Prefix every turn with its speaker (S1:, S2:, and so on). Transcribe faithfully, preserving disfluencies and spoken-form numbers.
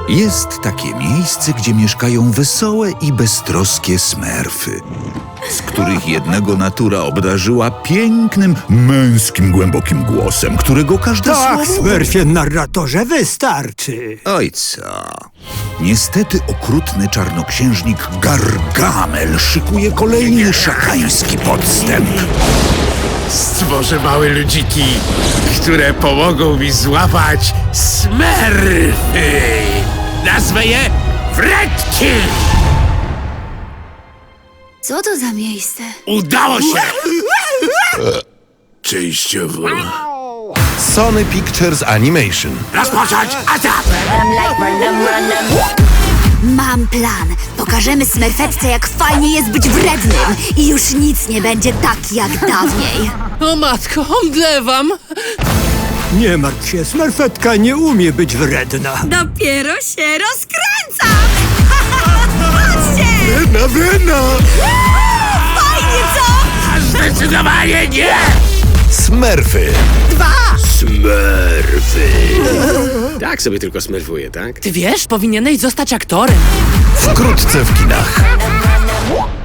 S1: Jest takie miejsce, gdzie mieszkają wesołe i beztroskie smerfy, z których jednego natura obdarzyła pięknym, męskim, głębokim głosem, którego każde
S2: Tak,
S1: słowo...
S2: Smurfie narratorze, wystarczy.
S1: Oj co? Niestety okrutny czarnoksiężnik Gargamel szykuje kolejny szatański podstęp.
S3: Stworzę małe ludziki, które pomogą mi złapać smerfy. Nazwę je Fredki.
S4: Co to za miejsce?
S3: Udało się! Częściowo.
S5: Sony Pictures Animation.
S3: Rozpocząć atak!
S4: Mam plan. Pokażemy Smerfetce, jak fajnie jest być wrednym. I już nic nie będzie tak jak dawniej.
S6: O matko, omdlewam!
S2: Nie martw się, Smurfetka nie umie być wredna.
S4: Dopiero się rozkręcam! Chodźcie!
S3: Wredna, wredna!
S4: Fajnie, co?
S3: Zdecydowanie nie!
S5: Smurfy.
S3: Smurfy. Tak sobie tylko smerfuję, tak?
S6: Ty wiesz, powinieneś zostać aktorem.
S5: Wkrótce w kinach.